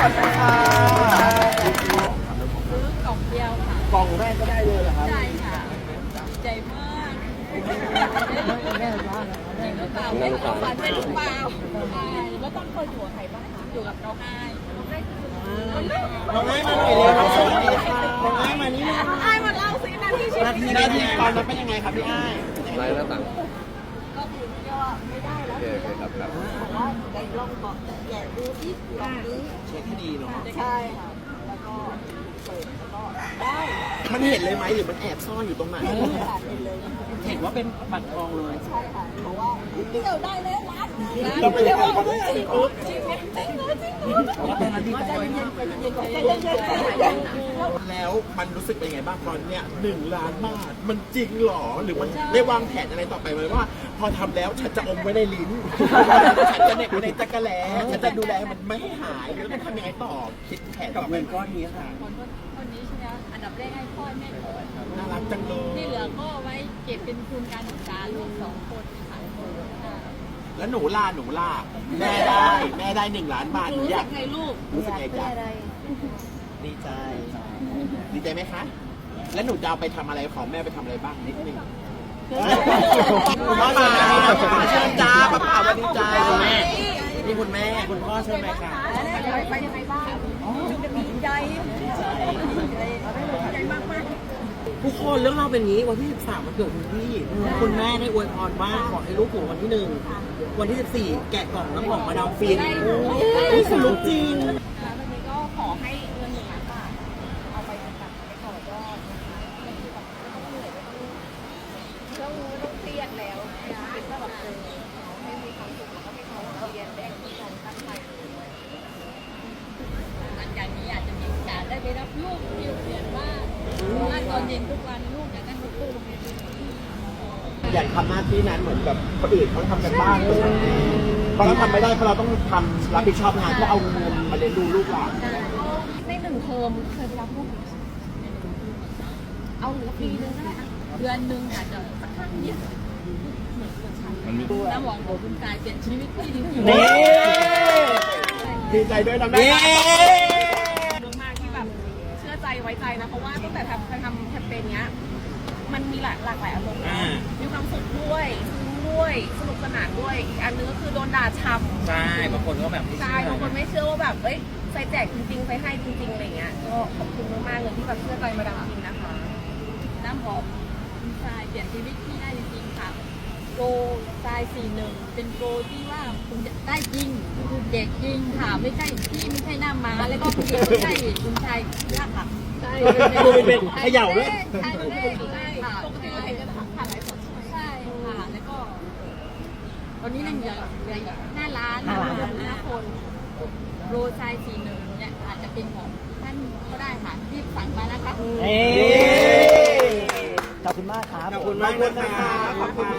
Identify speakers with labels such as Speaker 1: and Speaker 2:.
Speaker 1: อบคุณค่ะ
Speaker 2: ซื้อกล่องเดียวค่ะ
Speaker 1: กล่องแรกก็ได้เลยเหรอครับ
Speaker 2: ใช่ค่ะใจมากจริงหรือเปล่าไม่รู้ฝันเป็นหรือเปล่าใช่แล้วต้องเคยอยู่กับใครบ้างคะอยู่กับน้องอ้ายน้องอ้ายคือ
Speaker 1: น้องไอ้มาหน่อยเร็วน้องสวัสดีค่ะน้องไอ้มานี่นะ
Speaker 2: น้องอ้ายมาเล่าสินาทีชีวิต
Speaker 1: นาทีตอนนั้นเป็นยังไงครับพี่ไอ้
Speaker 3: ไล่หน้าต่าง
Speaker 2: ก็คือก็ไม่ได้แล้ว
Speaker 3: โอเคครับครับ
Speaker 2: บอกว่าไอ้ลองบอกแกะดูสิกล่องนี้
Speaker 1: เช็คให้ดีเนาะ
Speaker 2: ใช่ค่ะแล้วก็เปิดแล้วก็ได้
Speaker 1: มันเห็นเลยไหมหรือมันแอบซ่อนอยู่ตรงไหน
Speaker 2: ค่ะเห็นเลย
Speaker 1: เห็นว่าเป็นบัตรทองเลย
Speaker 2: ใช่ค่ะเพราะว่าเดี่ยวได้เลยร้านนึง
Speaker 1: เราไปเที่ยวเขาด้วย
Speaker 2: จริงเหรอจริงเหรอจริงเหรอจริงเหรอใจเย็นใจเย็นใจเย็นใจเย็น
Speaker 1: แล้วมันรู้สึกเป็นไงบ้างตอนเนี้ย1 ล้านบาทมันจริงหรอหรือมันได้วางแผนอะไรต่อไปไหมว่า พอทำแล้วฉันจะอมไว้ในลิ้นฉันจะเหน็บไว้ในจักรแลฉันจะดูแลมันไม่ให้หายแล้วจะทำยังไงต่อคิดแผนกับเงินก้อนนี้ค่ะ
Speaker 2: คนนี้ใช่ไหมอันดับแรกให้พ่อแม่ก่อน
Speaker 1: น่ารักจังเลย
Speaker 2: ที่เหลือก็ไว้เก็บเป็นทุนการศึกษาลูก2 คนค่ะ
Speaker 1: แล้วหนูล่ะแม่ได้1 ล้านบาทหนู
Speaker 2: รู้
Speaker 1: อ
Speaker 2: สึ
Speaker 1: ยาก
Speaker 2: กไงลูก
Speaker 1: รู้สึกไงจ๊ะดีใจดีใจไหมคะ แล้วหนูจะเอาไปทำอะไรของแม่ไปทำอะไรบ้างนิดนึงคุณพ่อมาเชิญจ้าป้าป่าวันดีจ้าคุณแม่นี่คุณแม่คุณพ่อเชิญไหมคะ
Speaker 2: ไปยังไงบ้างดีใจใจมากมาก
Speaker 4: ทุกคนเรื่องเราเป็นอย่างนี้วันที่ 13มันเกิดคุณพี่คุณแม่ได้อวยพรว่าขอให้ลูกถูกวันที่ 1วันที่ 14แกะกล่องน้ำหอมมาดามฟินนี่คือลูกจริง
Speaker 2: วันนี้ก็ขอให้เงิน1 ล้านบาทเอาไปทำการไปต่อยอดนะคะไม่ต้องเหนื่อยไม่ต้องเครียดแล้วคิดว่าแบบให้มีความสุขแล้วก็ให้เขาเรียนได้ที่การตั้งใจหลังจากนี้อาจจะมีโอกาสได้ไปรับลูกที่โรงเรียนบ้างเพราะว่าตอนเย็นทุกวันลูกอยากนั่งรถตู้โรงเรียน
Speaker 1: อยากทำหน้าที่นั้นเหมือนกับคนอื่นเขาทำกันบ้างเพราะเราทำไม่ได้เพราะเราต้องทำรับผิดชอบงานเพื่อเอาเงินมาเลี้ยงดูลูกหลาน
Speaker 2: ใน1 เทอมเคยไปรับลูกเอาปีนึงก็ได้เดือนนึงอาจจะสักครั้งเดียวเหมือนคนชันน้ำหวานของคุณกายเปลี่ยนชีวิตที่ดีขึ้น
Speaker 1: ดีใจด้วยนะแม่
Speaker 5: มากที่แบบเชื่อใจไว้ใจนะเพราะว่าตั้งแต่ทำแคมเปญเนี้ยมันมีหลากหลายอารมณ์นะมีความสุขด้วยซึ้งด้วยสนุกสนานด้วยอีกอันนึงก็คือโดนด่าช้ำ
Speaker 4: ใช่บางคนก็แบบ
Speaker 5: ใช่บางคนไม่เชื่อว่าแบบเอ้ยใส่แจกจริงๆใส่ให้จริงๆอะไรเงี้ยก็ขอบคุณมากๆเลยที่แบบเชื่อใจมาดามฟินนะคะ
Speaker 2: น้ำหอมคุณกายเปลี่ยนชีวิตที่ได้จริงๆค่ะโปรทราย41เป็นโปรที่ว่าคุณจะได้จริงคือเด็กจริงค่ะไม่ใช่ที่ไม่ใช่หน้าม้าแล้วก็คุณไม่ใช่คุณชายยากค่ะใช่
Speaker 1: เป็นเขย่าด้วย
Speaker 2: ใช่ใช่ค่ะ
Speaker 5: ปกติเราเห็นกันผ่านไลฟ์สดใช่ไหม
Speaker 2: ใช่ค่ะแล้วก็ตอนนี้นั่งเหลือหน้าร้าน5 คนโรไซ41เนี่ยอาจจะเป็นของท่านก็ได้ค่ะรีบสั่งมานะคะ
Speaker 4: ขอบคุณมากครับ
Speaker 1: ขอบคุณมากนะคะขอบคุณ